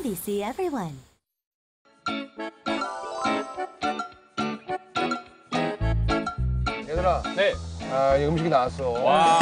NBC Everyone. 얘들아. 네. 이 음식이 나왔어. 와.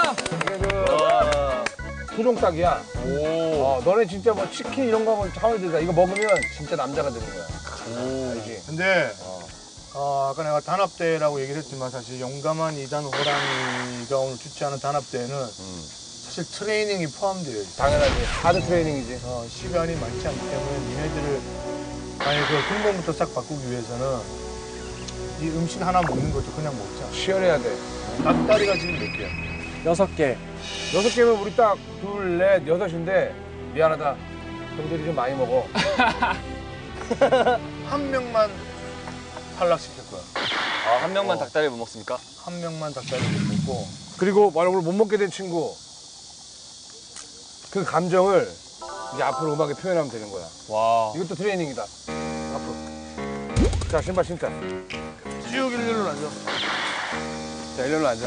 이게 토종닭이야. 오. 너네 진짜 뭐 치킨 이런 거 하면 차원이 들다. 이거 먹으면 진짜 남자가 되는 거야. 오. 알지? 근데 아까 내가 단합대회라고 얘기를 했지만 사실 용감한 이단 호랑이가 오늘 주최하는 단합대회는 사실 트레이닝이 포함되어 있어. 당연하지. 하드 트레이닝이지. 시간이 많지 않기 때문에 니네들을 아예 그 근본부터 싹 바꾸기 위해서는 이 음식 하나 먹는 것도 그냥 먹자. 치열해야 돼. 닭다리가 지금 몇 개야? 6개. 6개면 우리 딱 둘, 넷, 여섯인데 미안하다. 형들이 좀 많이 먹어. 한 명만 탈락시킬 거야. 한 명만 닭다리 못 먹습니까? 한 명만 닭다리 못 먹고. 그리고 만약 오늘 못 먹게 된 친구 그 감정을 이제 앞으로 음악에 표현하면 되는 거야. 와. 이것도 트레이닝이다. 앞으로. 자, 신발 신자. 쭉 일렬로 앉아. 자, 일렬로 앉아.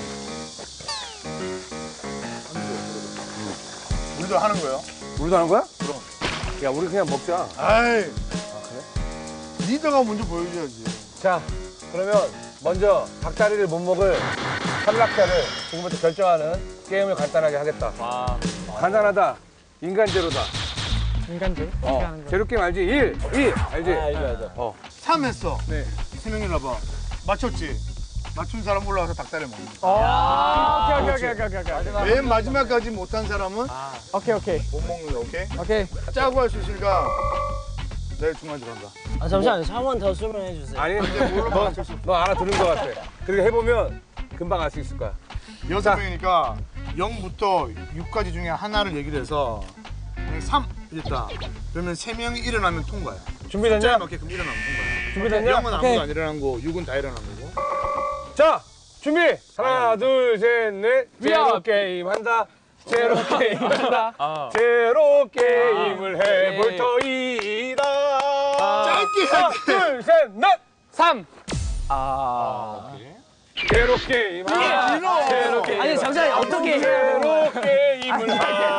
우리도 하는 거예요? 우리도 하는 거야? 그럼. 야, 우리 그냥 먹자. 아이. 그래? 리더가 먼저 보여줘야지. 자, 그러면 먼저 닭다리를 못 먹을 탈락자를 지금부터 결정하는 게임을 간단하게 하겠다. 와. 간단하다. 인간제로다. 인간제로? 제로 게임 알지? 1, 2 알지? 알죠. 3 했어. 네. 세 명이 나봐. 맞췄지? 맞춘 사람 올라가서 닭다리 먹는 거야. 오케이. 맨 마지막까지 못한 사람은 오케이. 못 먹는 거, 오케이? 오케이. 짜고 할 수 있으니까 내일 중간 들어간다. 잠시만요. 한 번 더 설명해 주세요. 아니, 뭘로 맞출 수 너 알아들은 것 같아. 그리고 해보면 금방 알 수 있을 거야. 6명이니까 0부터 6까지 중에 하나를 얘기를 해서 만약에 3 이랬다. 그러면 3명이 일어나면 통과야. 준비됐냐? 숫자에 맞게끔 일어나면 통과야. 준비됐냐? 0은 아무도 안 일어난 거고 6은 다 일어난 거고. 자, 준비! 하나, 둘, 셋, 넷. 제로 게임 한다. 제로 게임 한다. 제로 게임을 해볼 터이다. 짧게 하나, 둘, 셋, 넷. 3. 제로 게임 한다. 제로 게임. 아니 잠시만요. 어떻게 제로 게임을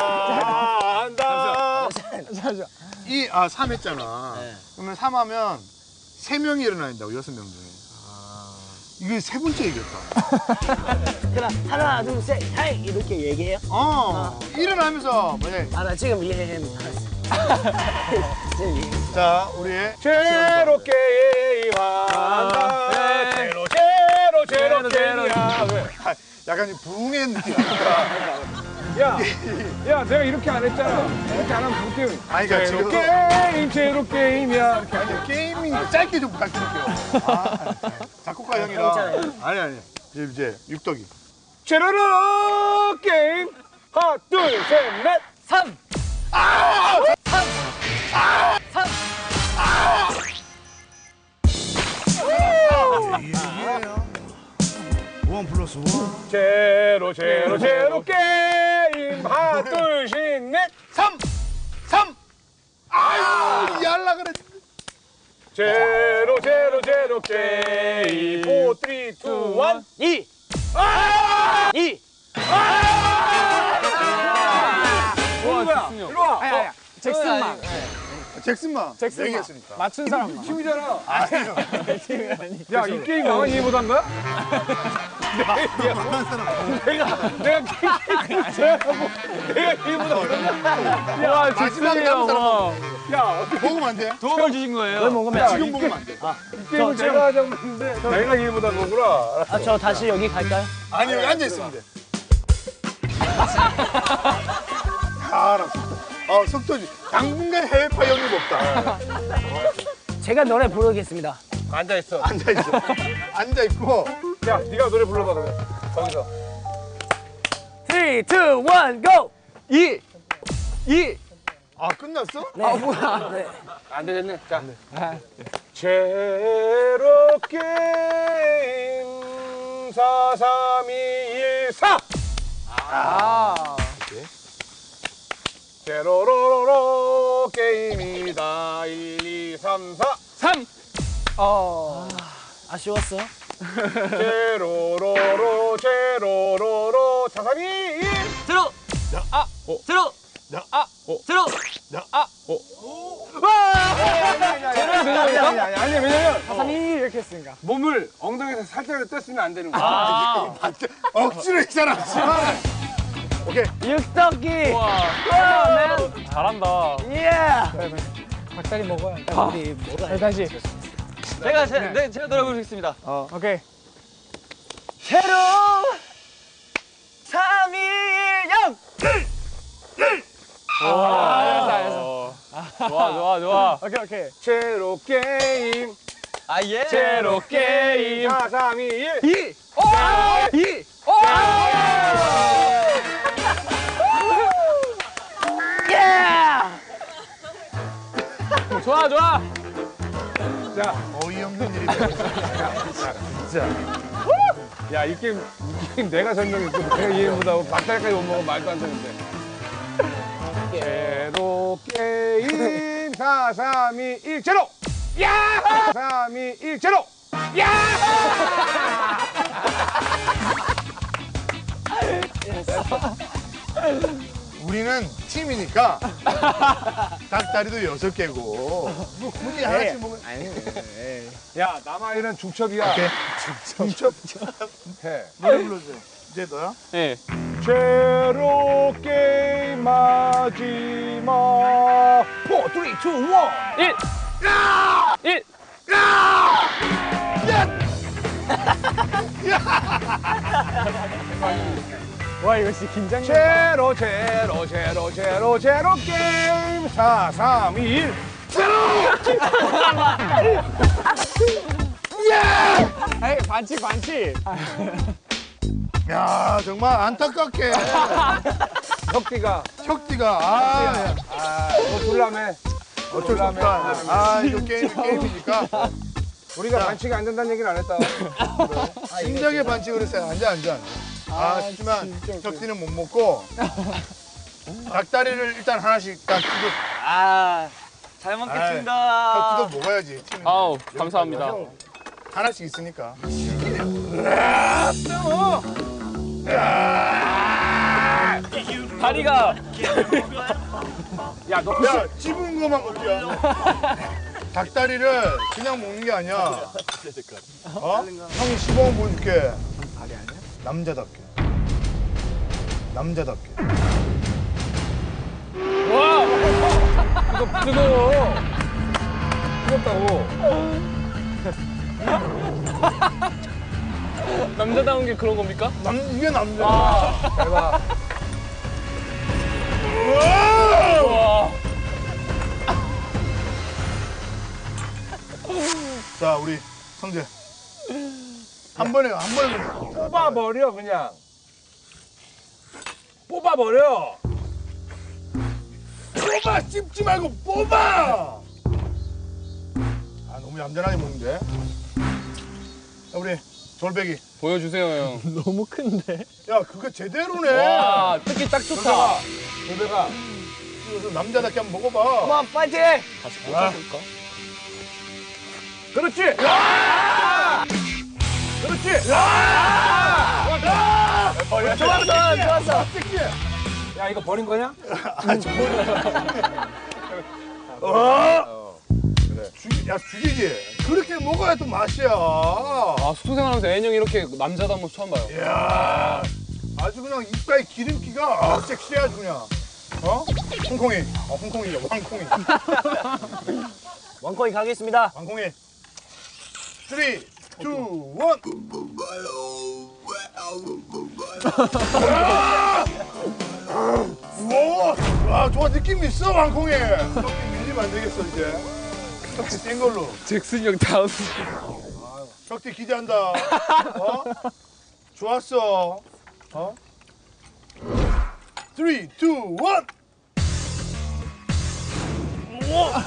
한다. 3 했잖아. 그러면 3 하면 3명이 일어나야 된다고, 6명 중에. 이게 세 번째 얘기였다. 그럼 하나 둘 셋 하이 이렇게 얘기해요? 일어나면서 만약에 나 지금 이해 자, 우리의 제로 게임 한다. 제로 게임이야. 왜? 약간 부흥의 느낌이니까. 야, 내가 이렇게 안 했잖아. 이렇게 안 하면 볼게요. 아니, 그러니까 제로 지금 게임, 제로 게임이야. 이렇게. 아니, 게이밍 짧게 좀 부탁드릴게요. 작곡가 형이랑. 아니. 이제 육덕이. 제로로 게임. 하나, 둘, 셋, 넷. 3. 원 플러스 원. 제로 게임. 하나, 둘, 셋, 넷. 3. 아유, 얄라 그래. 제로 게임. 4, 3, 2, 1. 2. 뭐야? 일로 와. 잭슨만. 잭슨만. 얘기했으니까. 맞춘 사람만. 팀이잖아. 아니요. 야, 이 게임 나만 이해 못한 거야? 내가 이해 못한 거야? 와, 마지막에 남은 사람 야, 어떻게 먹으면 안 돼? 도움을 주신 거예요. 뭘 먹으면 지금 먹으면 안 돼. 이 게임을 제가 하자고 했는데 내가 이해 못한 거구나. 저 다시 여기 갈까요? 아니, 여기 앉아있으면 돼. 알았어. 속도지. 당분간 해외파 영입 없다. 제가 노래 부르겠습니다. 앉아있어. 앉아있어. 앉아있고. 야, 네가 노래 불러봐, 그러면. 거기서. 3, 2, 1, GO! 2. 끝났어? 네. 뭐야? 네. 안 되겠네. 자. 제로 게임 4, 3, 2, 1, 4. 제로로로로 게임이다. 1, 2, 3, 4. 3. 아쉬웠어. 제로로로 4, 3, 2, 1. 들어. 들어. 야. 들어. 아니 왜냐면 사삼이 이렇게 했으니까. 몸을 엉덩이에서 살짝 뗐으면 안 되는 거야. 억지로 이 사람. 오케이. 육덕기. 잘한다. 예. 닭다리 먹어야 돼. 우리 뭐가 다시. 제가 노래 부르겠습니다. 오케이. 새로 3, 2, 1, 0. 알았어. 좋아. 오케이. 제로 게임. 아 예. 제로 게임. 4, 3, 2, 1. 2. 예. 좋아. 자, 어이없는 일이 벌어졌어. 진짜. 야, 이 게임 내가 설명했고 내가 이해 못하고 박달까지 못 먹으면 말도 안 되는데. 제로 게임 4, 3, 2, 1, 제로! 야! 4, 3, 2, 1, 제로! 야! 우리는 팀이니까 닭다리도 6개고 뭐 굳이 하나씩 먹으면 야, 남아있는 중첩이야. 오케이. 중첩 해. 노래 불러주세요. 이제 너야? 네. 제로 게임 마지막 4, 3, 2, 1. 1. 와 이거 진짜 긴장. 제로 게임 4, 3, 2, 1. 에이 반칙. 야 정말 안타깝게 혁디가 아 너 졸라매. 어쩔 수 없다. 아 이거 게임이니까 우리가 반칙이 안 된다는 얘기를 안 했다. 심장의 반칙을 했어요. 앉아. 하지만 혁디는 못 먹고 닭다리를 일단 하나씩 딱 뜯어. 잘 혁디도 먹어야지. 팀인데. 아우 감사합니다. 하나씩 있으니까. 다리가 야, 너 야 찝은 거만 먹자. 닭다리를 그냥 먹는 게 아니야. 어? 형이 시범 보여줄게. 남자답게. 와! 이거 뜨거워. 뜨겁다고. 남자다운 게 그런 겁니까? 이게 남자야. 대박. 와. 자 우리 성재 한 번에 뽑아버려, 그냥. 뽑아버려. 뽑아 씹지 말고 뽑아. 아 너무 얌전하게 먹는데. 야, 우리 졸배기. 보여주세요 형. 너무 큰데. 야 그거 제대로네. 와 특히 딱 좋다. 노배가 그래서 남자답게 한번 먹어봐. 그만 파이팅. 다시 꽂아볼까? 그렇지. 야! 그렇지. 야! 좋았어. 야, 이거 버린 거냐? 죽이지. 그렇게 먹어야 또 맛이야. 아 숙소 생활하면서 애인 형이 이렇게 남자다운 모습 처음 봐요. 이야, 아주 그냥 입가에 기름기가 섹시해 아주 그냥. 어? 홍콩이. 홍콩이죠. 왕콩이. 원코인 가겠습니다. 왕콩이. 3, 2, 1. 와, 좋아. 느낌 있어, 왕콩이. 떡기 밀리면 안 되겠어, 이제. 떡기 센 걸로. 잭슨 형 다운. 혁띠 기대한다. 어? 좋았어. 어? 3, 2, 1. 우와.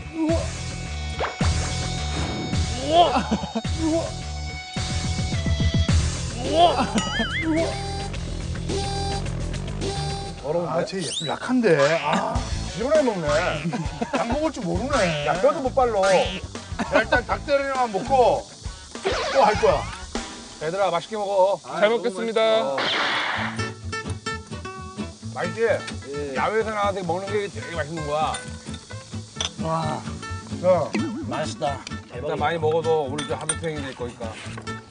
아, 쟤 약한데. 아, 지원해 먹네. 약 먹을 줄 모르네. 야, 뼈도 못 발로. 자, 일단 닭다리만 먹고 또 할 거야. 얘들아, 맛있게 먹어. 잘 먹겠습니다. 맛있지? 야외에서 나와서 먹는 게 되게 맛있는 거야. 와, 야, 맛있다. 일단 많이 먹어도 오늘 좀 하드 트레이닝 될 거니까.